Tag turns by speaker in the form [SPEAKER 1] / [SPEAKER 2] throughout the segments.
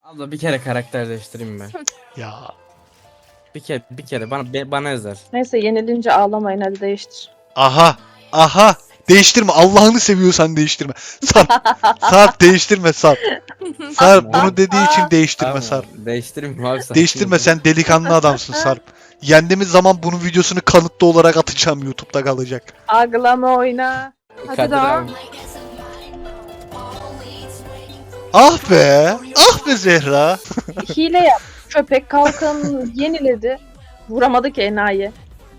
[SPEAKER 1] Abla bir kere karakter değiştireyim ben.
[SPEAKER 2] Ya
[SPEAKER 1] Bir kere bana özel.
[SPEAKER 3] Neyse yenilince ağlamayın, hadi değiştir.
[SPEAKER 2] aha değiştirme, Allah'ını seviyorsan değiştirme. Sarp değiştirme Sarp. Sarp bunu dediği için değiştirme
[SPEAKER 1] Tamam,
[SPEAKER 2] Sarp.
[SPEAKER 1] değiştireyim mi abi sakin
[SPEAKER 2] Değiştirme,
[SPEAKER 1] ol.
[SPEAKER 2] sen delikanlı adamsın Sarp. Yendiğimiz zaman bunun videosunu kanıtlı olarak atacağım, YouTube'da kalacak.
[SPEAKER 3] Ağlama oyna.
[SPEAKER 4] Hadi
[SPEAKER 1] Kadir
[SPEAKER 4] daha.
[SPEAKER 1] abi.
[SPEAKER 2] Ah be Zehra.
[SPEAKER 3] Hile yap. Köpek kalkanını yeniledi. Vuramadı ki enayi.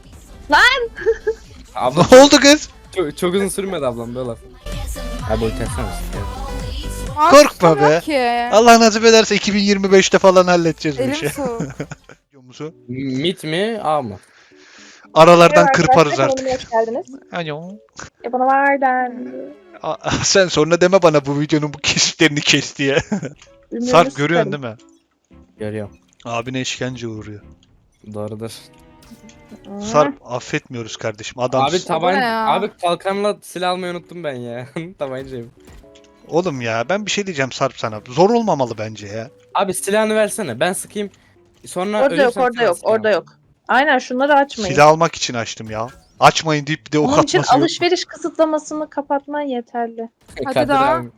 [SPEAKER 1] Abla
[SPEAKER 2] Ne oldu kız?
[SPEAKER 1] çok uzun sürmedi ablam böyle laf. Abi ulti atsana işte.
[SPEAKER 4] Aa,
[SPEAKER 2] Korkma
[SPEAKER 4] tutamıyorum
[SPEAKER 2] be.
[SPEAKER 4] Ki.
[SPEAKER 2] Allah nasip ederse 2025'te falan halledeceğiz bu
[SPEAKER 4] Elim
[SPEAKER 2] işi.
[SPEAKER 4] soğuk.
[SPEAKER 2] Biliyor musun?
[SPEAKER 1] Mid mi A mı?
[SPEAKER 2] Aralardan
[SPEAKER 3] Merhaba
[SPEAKER 2] kırparız
[SPEAKER 3] arkadaşlar,
[SPEAKER 2] artık.
[SPEAKER 3] kanalıma hoş geldiniz.
[SPEAKER 2] Alo.
[SPEAKER 3] Bana var den.
[SPEAKER 2] Sen sonra deme bana bu videonun bu kesitlerini kes diye.
[SPEAKER 3] Ümrünü
[SPEAKER 2] Sarp görüyorsun
[SPEAKER 3] sıkarım.
[SPEAKER 2] değil mi?
[SPEAKER 1] Görüyorum.
[SPEAKER 2] Abine işkence uğruyor.
[SPEAKER 1] Doğrudur.
[SPEAKER 2] Sarp affetmiyoruz kardeşim. Adam.
[SPEAKER 1] Abi tabanca.
[SPEAKER 4] ne ya?
[SPEAKER 1] Abi kalkanla silah almayı unuttum ben ya. Tabancayım.
[SPEAKER 2] Oğlum ya ben bir şey diyeceğim Sarp sana. Zor olmamalı bence ya.
[SPEAKER 1] Abi silahını versene. Ben sıkayım. Sonra
[SPEAKER 3] Orada yok,
[SPEAKER 1] ölürsem
[SPEAKER 3] orada
[SPEAKER 1] sen
[SPEAKER 3] yok,
[SPEAKER 1] sıkma.
[SPEAKER 3] orada yok. Aynen, şunları açmayın.
[SPEAKER 2] Silah almak için açtım ya. Açmayın deyip bir de ok
[SPEAKER 3] Onun için
[SPEAKER 2] atması yok.
[SPEAKER 3] alışveriş kısıtlamasını kapatman yeterli.
[SPEAKER 4] Hadi
[SPEAKER 1] Kadir
[SPEAKER 4] daha.
[SPEAKER 1] abi.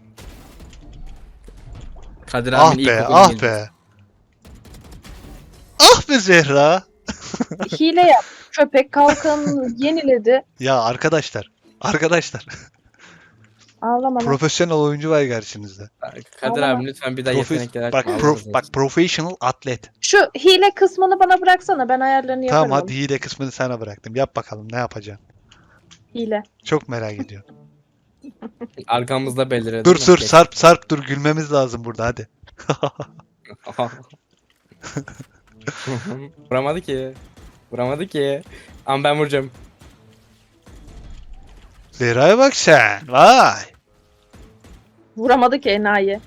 [SPEAKER 1] Kadir
[SPEAKER 2] Ah
[SPEAKER 1] abinin
[SPEAKER 2] be,
[SPEAKER 1] ilkokul
[SPEAKER 2] ah
[SPEAKER 1] bilgisi.
[SPEAKER 2] be. Ah be Zehra.
[SPEAKER 3] Hile yap. Köpek kalkanını yeniledi.
[SPEAKER 2] Ya arkadaşlar.
[SPEAKER 3] Ağlama lan.
[SPEAKER 2] Profesyonel oyuncu var karşınızda.
[SPEAKER 1] Kadir
[SPEAKER 3] Ağlama.
[SPEAKER 1] abi lütfen bir daha yetenekler
[SPEAKER 2] Bak,
[SPEAKER 1] açma.
[SPEAKER 2] bak professional atlet.
[SPEAKER 3] Şu hile kısmını bana bıraksana, ben ayarlarını yaparım.
[SPEAKER 2] Tamam hadi hile kısmını sana bıraktım. Yap bakalım ne yapacaksın.
[SPEAKER 3] Hile.
[SPEAKER 2] Çok merak ediyorum.
[SPEAKER 1] Arkamızda belirir.
[SPEAKER 2] Dur Sarp dur, gülmemiz lazım burada hadi.
[SPEAKER 1] Vuramadı ki. Vuramadı ki. Ama ben vuracağım.
[SPEAKER 2] Zehra'ya bak sen. Vay.
[SPEAKER 3] Vuramadı ki enayi.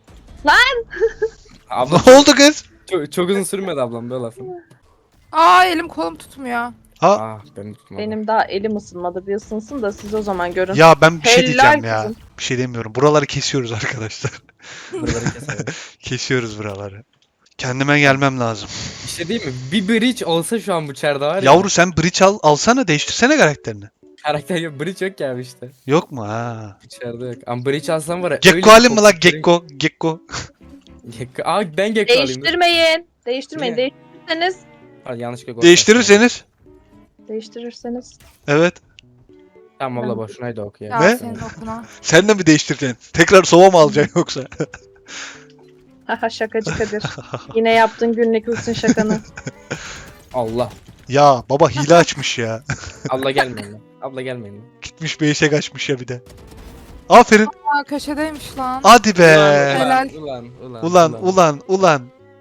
[SPEAKER 1] Abla
[SPEAKER 2] Ne oldu kız?
[SPEAKER 1] çok uzun sürmedi ablam böyle lafı.
[SPEAKER 4] Aa, elim kolum tutmuyor.
[SPEAKER 2] Ha?
[SPEAKER 1] Ah ben tutmadım.
[SPEAKER 3] Benim daha elim ısınmadı, bir ısınsın da siz o zaman görün.
[SPEAKER 2] Ya ben bir şey
[SPEAKER 3] Helal
[SPEAKER 2] diyeceğim ya.
[SPEAKER 3] kızım.
[SPEAKER 2] Bir şey demiyorum. Buraları kesiyoruz arkadaşlar.
[SPEAKER 1] Buraları keselim.
[SPEAKER 2] Kesiyoruz buraları. Kendime gelmem lazım.
[SPEAKER 1] Bir şey değil mi? Bir bridge olsa şu an bu çarda var ya.
[SPEAKER 2] Yavru sen bridge alsana, değiştirsene karakterini.
[SPEAKER 1] Karakter yok. Bridge yok ya abi işte.
[SPEAKER 2] Yok mu ha?
[SPEAKER 1] Bu çarda yok. Ama bridge alsam var ya.
[SPEAKER 2] Gekko alayım mı lan Gekko? Gekko.
[SPEAKER 1] Gekko. Aa ben Gekko alayım. dur.
[SPEAKER 3] Değiştirmeyin. Değiştirmeyin.
[SPEAKER 1] Niye?
[SPEAKER 3] Değiştirirseniz.
[SPEAKER 1] Hadi yanlışlıkla gol
[SPEAKER 2] Değiştirirseniz.
[SPEAKER 3] Değiştirirseniz.
[SPEAKER 2] Evet.
[SPEAKER 1] Tamam abla boşunaydı oku ya.
[SPEAKER 4] Ya
[SPEAKER 2] Ne?
[SPEAKER 4] senin okuna.
[SPEAKER 2] Sen de mi değiştireceksin? Tekrar sova mı alacaksın yoksa?
[SPEAKER 3] Haha, şakacı Kadir. Yine yaptın günlük rutin şakanı.
[SPEAKER 1] Allah.
[SPEAKER 2] Ya baba hile açmış ya.
[SPEAKER 1] Abla gelmeyin lan. Abla gelmeyin lan.
[SPEAKER 2] Gitmiş beşe kaçmış ya bir de. Aferin.
[SPEAKER 4] Aa, köşedeymiş lan.
[SPEAKER 2] Hadi be.
[SPEAKER 4] Helal.
[SPEAKER 1] Ulan.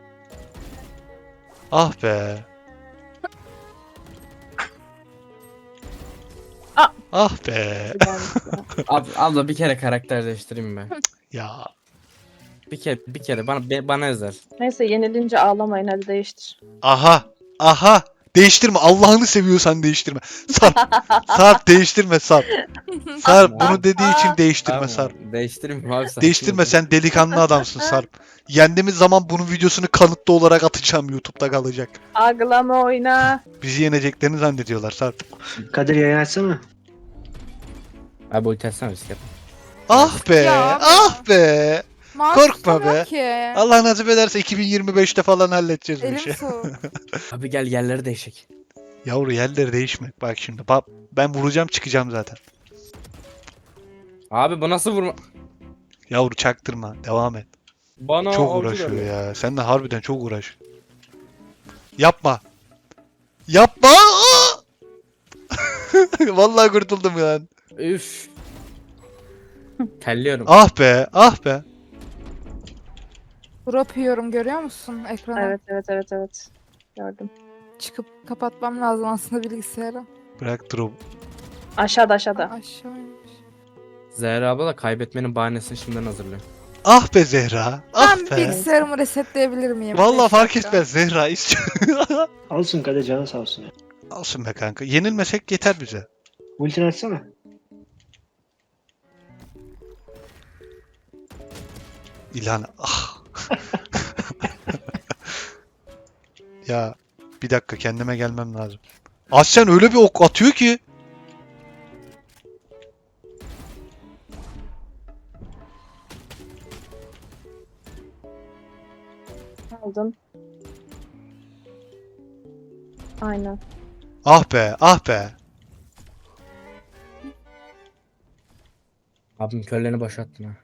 [SPEAKER 2] Ah be.
[SPEAKER 3] Ah.
[SPEAKER 2] Ah be.
[SPEAKER 1] Abla bir kere karakter değiştireyim ben.
[SPEAKER 2] Ya
[SPEAKER 1] Bir kere bana özel.
[SPEAKER 3] Neyse yenilince ağlamayın, hadi değiştir.
[SPEAKER 2] aha değiştirme, Allah'ını seviyorsan değiştirme. Sarp değiştirme Sarp. Sarp bunu dediği için değiştirme
[SPEAKER 1] Tamam,
[SPEAKER 2] Sarp.
[SPEAKER 1] değiştireyim mi abi sakin
[SPEAKER 2] Değiştirme,
[SPEAKER 1] ol.
[SPEAKER 2] sen delikanlı adamsın Sarp. Yendiğimiz zaman bunun videosunu kanıtlı olarak atacağım, YouTube'da kalacak.
[SPEAKER 3] Ağlama oyna.
[SPEAKER 2] Bizi yeneceklerini zannediyorlar Sarp.
[SPEAKER 5] Kadir yayın açsana.
[SPEAKER 1] Abi ulti atsana risk yapma.
[SPEAKER 2] Ah be,
[SPEAKER 4] Ya abi.
[SPEAKER 2] ah be.
[SPEAKER 4] Mouse
[SPEAKER 2] Korkma
[SPEAKER 4] tutamıyorum
[SPEAKER 2] be.
[SPEAKER 4] Ki.
[SPEAKER 2] Allah nasip ederse 2025'te falan halledeceğiz bu
[SPEAKER 4] Elim
[SPEAKER 2] işi.
[SPEAKER 4] soğuk.
[SPEAKER 1] Abi gel yerleri değişik.
[SPEAKER 2] Yavru yerleri değişmek. Bak şimdi. Ben vuracağım, çıkacağım zaten.
[SPEAKER 1] Abi bu nasıl vurma?
[SPEAKER 2] Yavru çaktırma. Devam et.
[SPEAKER 1] Bana
[SPEAKER 2] Çok
[SPEAKER 1] avcı
[SPEAKER 2] uğraşıyor
[SPEAKER 1] dedi.
[SPEAKER 2] ya. Sen de harbiden çok uğraş. Yapma. Yapma. Vallahi kurtuldum ya.
[SPEAKER 1] Üf. Telliyorum.
[SPEAKER 2] Ah be. Ah be.
[SPEAKER 4] Drop yiyorum, görüyor musun ekrana?
[SPEAKER 3] Evet. Gördüm.
[SPEAKER 4] Çıkıp kapatmam lazım aslında bilgisayarı.
[SPEAKER 2] Bırak drop.
[SPEAKER 3] Aşağıda.
[SPEAKER 4] Aşağıymış.
[SPEAKER 1] Zehra abla da kaybetmenin bahanesini şimdiden hazırlıyor.
[SPEAKER 2] Ah be Zehra. Ah
[SPEAKER 4] Ben
[SPEAKER 2] be.
[SPEAKER 4] bilgisayarımı resetleyebilir miyim?
[SPEAKER 2] Vallahi
[SPEAKER 4] Beş
[SPEAKER 2] fark
[SPEAKER 4] dakika.
[SPEAKER 2] etmez Zehra.
[SPEAKER 5] Alsın Kadir, canı sağ olsun ya.
[SPEAKER 2] Olsun be kanka. Yenilmesek yeter bize.
[SPEAKER 5] Ultini açsana.
[SPEAKER 2] İlhan. Ah. Ya bir dakika kendime gelmem lazım. Aslen öyle bir ok atıyor ki.
[SPEAKER 3] Aldım. Aynen.
[SPEAKER 2] Ah be, ah be.
[SPEAKER 1] Abim körlerini boşalttın ha.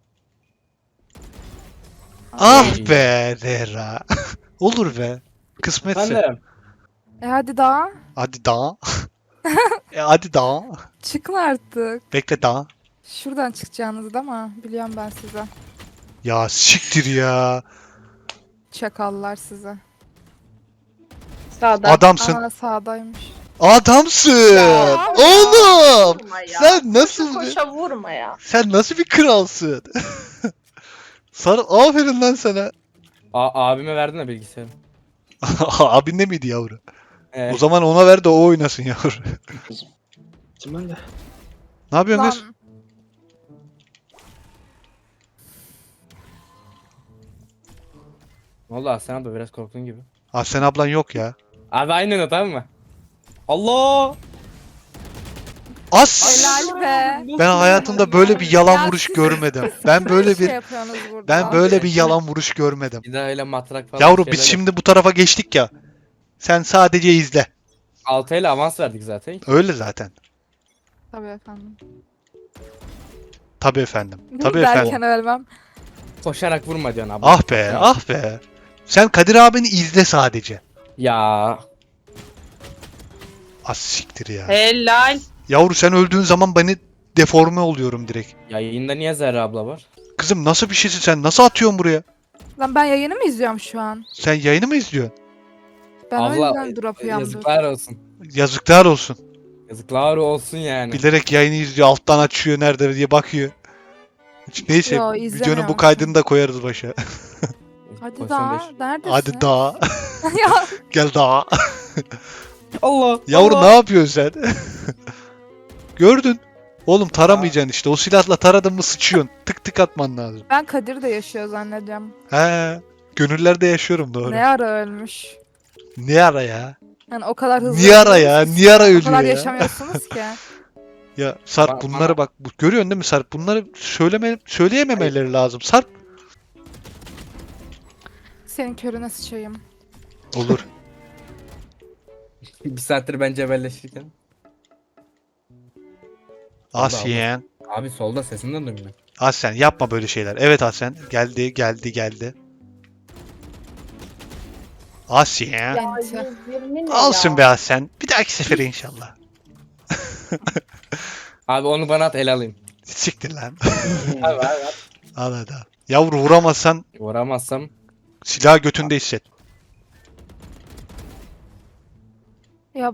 [SPEAKER 2] Ah be Zehra. Olur be. Kısmetse.
[SPEAKER 1] Ben de.
[SPEAKER 4] Hadi daha.
[SPEAKER 2] Hadi daha. Hadi daha.
[SPEAKER 4] Çıkın artık.
[SPEAKER 2] Bekle daha.
[SPEAKER 4] Şuradan çıkacağınızı da ama biliyorum ben size.
[SPEAKER 2] Ya siktir ya.
[SPEAKER 4] Çakallar size.
[SPEAKER 3] Sağda.
[SPEAKER 2] Adamsın.
[SPEAKER 4] Aa sağdaymış.
[SPEAKER 2] Adamsın.
[SPEAKER 3] Ya.
[SPEAKER 2] Oğlum.
[SPEAKER 3] Vurma ya.
[SPEAKER 2] Sen nasıl
[SPEAKER 3] Koşa
[SPEAKER 2] bir,
[SPEAKER 3] koşa vurma ya.
[SPEAKER 2] sen nasıl bir kralsın? Sarı aferin lan sana.
[SPEAKER 1] Abime verdin de bilgisayarı.
[SPEAKER 2] Abin de miydi yavru?
[SPEAKER 1] Evet.
[SPEAKER 2] O zaman ona ver de o oynasın yavru.
[SPEAKER 5] Kim ben de?
[SPEAKER 2] Ne yapıyorsun kız?
[SPEAKER 4] Lan
[SPEAKER 1] Ne oldu Aslan abi biraz korktun gibi.
[SPEAKER 2] Sen ablan yok ya.
[SPEAKER 1] Abi aynen o tamam mı? Allah!
[SPEAKER 2] As!
[SPEAKER 4] helal be.
[SPEAKER 2] Ben hayatımda böyle bir yalan
[SPEAKER 4] Ya
[SPEAKER 2] vuruş
[SPEAKER 4] siz-
[SPEAKER 2] görmedim. Ben böyle
[SPEAKER 4] şey
[SPEAKER 2] bir
[SPEAKER 4] yapıyorsunuz burada.
[SPEAKER 2] ben böyle bir yalan vuruş görmedim.
[SPEAKER 1] Bir daha öyle matrak falan
[SPEAKER 2] Yavru
[SPEAKER 1] şeyler
[SPEAKER 2] biz
[SPEAKER 1] yap.
[SPEAKER 2] şimdi bu tarafa geçtik ya. Sen sadece izle.
[SPEAKER 1] 6 ile avans verdik zaten.
[SPEAKER 2] Öyle zaten.
[SPEAKER 4] Tabii efendim.
[SPEAKER 2] Tabii efendim. Tabii efendim.
[SPEAKER 4] Derken ölmem.
[SPEAKER 1] Koşarak vurma diyorsun abi.
[SPEAKER 2] Ah be, ah be. Sen Kadir abini izle sadece.
[SPEAKER 1] Ya.
[SPEAKER 2] Az siktir ya.
[SPEAKER 3] Helal.
[SPEAKER 2] Yavru sen öldüğün zaman beni deforme oluyorum direkt.
[SPEAKER 1] Yayında niye Zehra abla var?
[SPEAKER 2] Kızım nasıl bir şeysin sen? Nasıl atıyorsun buraya?
[SPEAKER 4] Lan ben yayını mı izliyorum şu an?
[SPEAKER 2] Sen yayını mı izliyorsun?
[SPEAKER 4] Ben o
[SPEAKER 1] abla
[SPEAKER 4] yüzden drop yandım.
[SPEAKER 1] yazıklar olsun.
[SPEAKER 2] Yazıklar olsun.
[SPEAKER 1] Yazıklar olsun yani.
[SPEAKER 2] Bilerek yayını izliyor, alttan açıyor nerede diye bakıyor. Neyse,
[SPEAKER 4] Yo,
[SPEAKER 2] videonun bu
[SPEAKER 4] izlemiyorum.
[SPEAKER 2] kaydını da koyarız başa.
[SPEAKER 4] Hadi
[SPEAKER 1] Pozisyon
[SPEAKER 4] daha.
[SPEAKER 1] değiş.
[SPEAKER 4] Neredesin?
[SPEAKER 2] Hadi daha.
[SPEAKER 4] Ya
[SPEAKER 2] Gel daha.
[SPEAKER 1] Allah!
[SPEAKER 2] Yavru
[SPEAKER 1] Allah!
[SPEAKER 2] ne yapıyorsun sen? Gördün. Oğlum taramayacaksın işte. O silahla taradın mı sıçıyorsun. Tık tık atman lazım.
[SPEAKER 4] ben Kadir de yaşıyor zannediyorum.
[SPEAKER 2] He. Gönüllerde yaşıyorum doğru.
[SPEAKER 4] Ne ara ölmüş?
[SPEAKER 2] Ne ara ya?
[SPEAKER 4] Yani o kadar hızlı.
[SPEAKER 2] Niye ara ya? Niye ara
[SPEAKER 4] O
[SPEAKER 2] ölüyor
[SPEAKER 4] kadar
[SPEAKER 2] ya?
[SPEAKER 4] yaşamıyorsunuz ki.
[SPEAKER 2] Ya Sarp
[SPEAKER 1] Bana-
[SPEAKER 2] bunları bak. Görüyorsun değil mi Sarp? Bunları söyleyememeleri lazım. Sarp.
[SPEAKER 4] Senin körüne sıçayım.
[SPEAKER 2] Olur.
[SPEAKER 1] Bir saattir ben cebelleşirken.
[SPEAKER 2] Asyen.
[SPEAKER 1] Abi solda sesinden duymuyor.
[SPEAKER 2] Aslen yapma böyle şeyler. Evet Aslen. Geldi. Asyen.
[SPEAKER 4] Enti.
[SPEAKER 3] 120 ne
[SPEAKER 2] Alsın
[SPEAKER 3] ya?
[SPEAKER 2] be Aslen. Bir dahaki sefere inşallah.
[SPEAKER 1] Abi onu bana at el alayım.
[SPEAKER 2] Siktir lan.
[SPEAKER 1] Abi.
[SPEAKER 2] Al hadi al. Yavru vuramazsan
[SPEAKER 1] Vuramazsam.
[SPEAKER 2] silahı götünde hisset.
[SPEAKER 4] Ya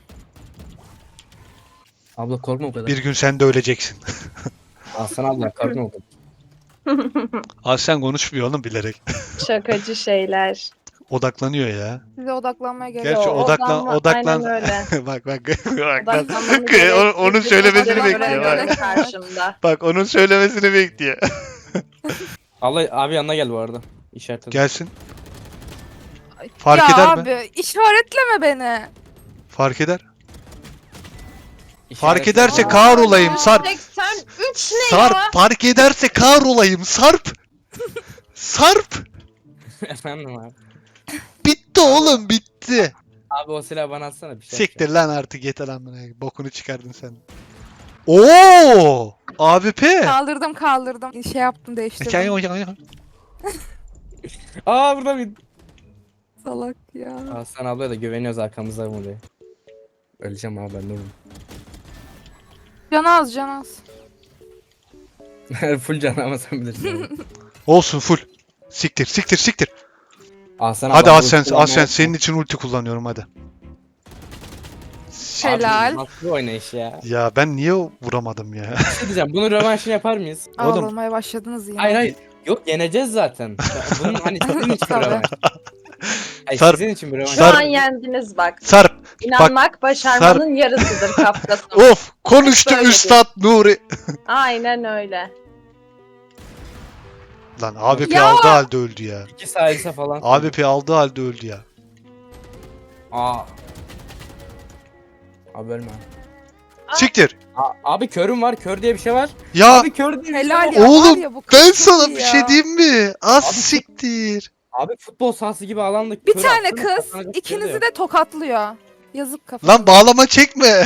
[SPEAKER 1] Abla korkma o kadar.
[SPEAKER 2] Bir gün sen de öleceksin.
[SPEAKER 1] Aslan abla korkma o kadar.
[SPEAKER 2] Aslen konuşmuyor oğlum bilerek.
[SPEAKER 3] Şakacı şeyler.
[SPEAKER 2] Odaklanıyor ya.
[SPEAKER 4] size odaklanmaya gerek
[SPEAKER 2] Gerçi
[SPEAKER 3] Yo,
[SPEAKER 2] odaklan.
[SPEAKER 3] Aynen öyle.
[SPEAKER 2] bak.
[SPEAKER 3] Odaklanmanın
[SPEAKER 2] Onun söylemesini
[SPEAKER 3] gerektiği
[SPEAKER 2] bekliyor.
[SPEAKER 3] böyle
[SPEAKER 2] Bak.
[SPEAKER 3] karşımda.
[SPEAKER 2] Bak onun söylemesini bekliyor.
[SPEAKER 1] Allah abi yanına gel bu arada. İşaret et.
[SPEAKER 2] Gelsin. Fark
[SPEAKER 4] ya
[SPEAKER 2] eder mi?
[SPEAKER 4] abi işaretleme beni.
[SPEAKER 2] Fark eder.
[SPEAKER 1] İşaret
[SPEAKER 2] Fark
[SPEAKER 1] et.
[SPEAKER 2] ederse
[SPEAKER 3] Aa,
[SPEAKER 2] kahrolayım Sarp.
[SPEAKER 3] 83 ne
[SPEAKER 2] Sarp
[SPEAKER 3] ya?
[SPEAKER 2] fark ederse kahrolayım Sarp. Sarp.
[SPEAKER 1] Efendim abi.
[SPEAKER 2] Bitti oğlum bitti.
[SPEAKER 1] Abi o silahı bana atsana bir şey.
[SPEAKER 2] Siktir lan artık yeter amına. Bokunu çıkardın sen. Oo! AWP.
[SPEAKER 4] Kaldırdım. Şey yaptım değiştirdim.
[SPEAKER 1] Aa burada bir.
[SPEAKER 4] Salak ya.
[SPEAKER 1] Aslan ablaya da güveniyoruz arkamızda mı diye. Öleceğim abi ben de oğlum.
[SPEAKER 4] Can az.
[SPEAKER 1] Full can ama sen bilirsin. abi.
[SPEAKER 2] Olsun full. Siktir.
[SPEAKER 1] Aslan
[SPEAKER 2] Hadi
[SPEAKER 1] abla,
[SPEAKER 2] Aslen,
[SPEAKER 1] bu silahı
[SPEAKER 2] Aslen
[SPEAKER 1] ne
[SPEAKER 2] senin için ulti kullanıyorum hadi.
[SPEAKER 1] Abi,
[SPEAKER 4] Helal.
[SPEAKER 1] Nasıl bir oynayış ya?
[SPEAKER 2] Ya ben niye vuramadım ya?
[SPEAKER 1] Bir şey diyeceğim. Bunun rövanşını yapar mıyız?
[SPEAKER 2] Oğlum.
[SPEAKER 4] Ağlamaya başladınız yine.
[SPEAKER 1] Hayır. Yok yeneceğiz zaten. Bunun hani sizin için bir
[SPEAKER 4] Tabii.
[SPEAKER 1] rövanş. Hayır
[SPEAKER 2] Sarp-
[SPEAKER 1] sizin için bir rövanş.
[SPEAKER 3] Şu
[SPEAKER 2] Sarp-
[SPEAKER 3] an yendiniz bak.
[SPEAKER 2] Sarp.
[SPEAKER 3] İnanmak başarmanın yarısıdır kaptasın.
[SPEAKER 2] Of konuştu
[SPEAKER 3] Böyle
[SPEAKER 2] Üstad Nuri.
[SPEAKER 3] Aynen öyle.
[SPEAKER 2] Lan AWP
[SPEAKER 4] Ya!
[SPEAKER 2] aldığı halde öldü ya.
[SPEAKER 1] 2 salise falan.
[SPEAKER 2] AWP aldığı halde öldü ya.
[SPEAKER 1] Aa. Abi ölme.
[SPEAKER 2] Siktir.
[SPEAKER 1] Abi körüm var. Kör diye bir şey var.
[SPEAKER 2] Ya
[SPEAKER 1] Abi kör diye bir
[SPEAKER 4] Helal
[SPEAKER 1] şey var.
[SPEAKER 4] ya. var
[SPEAKER 2] oğlum,
[SPEAKER 4] ya, bu kız
[SPEAKER 2] ben
[SPEAKER 4] çok
[SPEAKER 2] sana
[SPEAKER 4] iyi
[SPEAKER 2] bir
[SPEAKER 4] ya.
[SPEAKER 2] şey diyeyim mi? Az
[SPEAKER 1] Abi-
[SPEAKER 2] siktir.
[SPEAKER 1] Abi futbol sahası gibi alanda
[SPEAKER 4] Bir
[SPEAKER 1] kör
[SPEAKER 4] tane
[SPEAKER 1] attın,
[SPEAKER 4] kız
[SPEAKER 1] kazanacak bir şey
[SPEAKER 4] ikinizi
[SPEAKER 1] yok.
[SPEAKER 4] de tokatlıyor. Yazık kafana.
[SPEAKER 2] Lan bağlama çekme.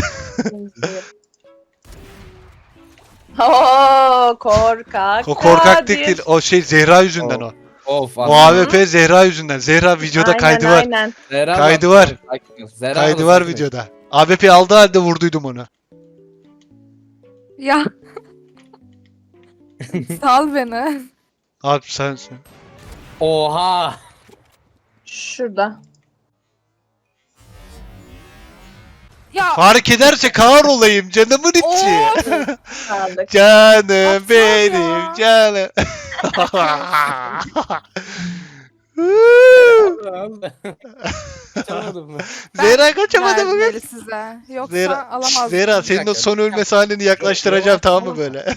[SPEAKER 3] Oo, korkak.
[SPEAKER 2] O korkak
[SPEAKER 3] Kadir.
[SPEAKER 2] değil. O şey Zehra yüzünden o.
[SPEAKER 1] Of.
[SPEAKER 2] O AWP Zehra yüzünden. Zehra videoda kaydı var.
[SPEAKER 3] Aynen.
[SPEAKER 1] Zehra
[SPEAKER 2] Kaydı
[SPEAKER 1] abla,
[SPEAKER 2] var.
[SPEAKER 1] sakin ol. Zehra
[SPEAKER 2] Kaydı
[SPEAKER 1] abla,
[SPEAKER 2] var
[SPEAKER 1] sakin ol.
[SPEAKER 2] videoda. AWP aldığı halde vurduydum onu.
[SPEAKER 4] Ya. Sal beni.
[SPEAKER 2] Abi sensin.
[SPEAKER 1] Oha.
[SPEAKER 3] Şurada.
[SPEAKER 4] Ya.
[SPEAKER 2] Fark ederse kar olayım canımın içi.
[SPEAKER 4] Of.
[SPEAKER 3] Kaldık.
[SPEAKER 2] Canım
[SPEAKER 4] Aptal
[SPEAKER 2] benim
[SPEAKER 4] ya.
[SPEAKER 2] canım.
[SPEAKER 1] Çalamadım mı?
[SPEAKER 2] Zehra kaçamadı
[SPEAKER 4] Verdim
[SPEAKER 2] bugün.
[SPEAKER 4] eli size. Yoksa
[SPEAKER 2] Zehra,
[SPEAKER 4] alamazdım.
[SPEAKER 2] Zehra senin o
[SPEAKER 1] dakika,
[SPEAKER 2] son
[SPEAKER 1] bir
[SPEAKER 2] ölme
[SPEAKER 1] dakika.
[SPEAKER 2] sahneni yaklaştıracağım
[SPEAKER 1] Rövanş
[SPEAKER 2] tamam mı
[SPEAKER 1] tamam mı?
[SPEAKER 2] böyle?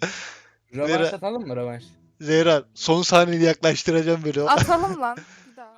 [SPEAKER 1] Rövanş atalım mı rövanş?
[SPEAKER 2] Zehra son sahneni yaklaştıracağım böyle.
[SPEAKER 4] Atalım lan. Bir daha.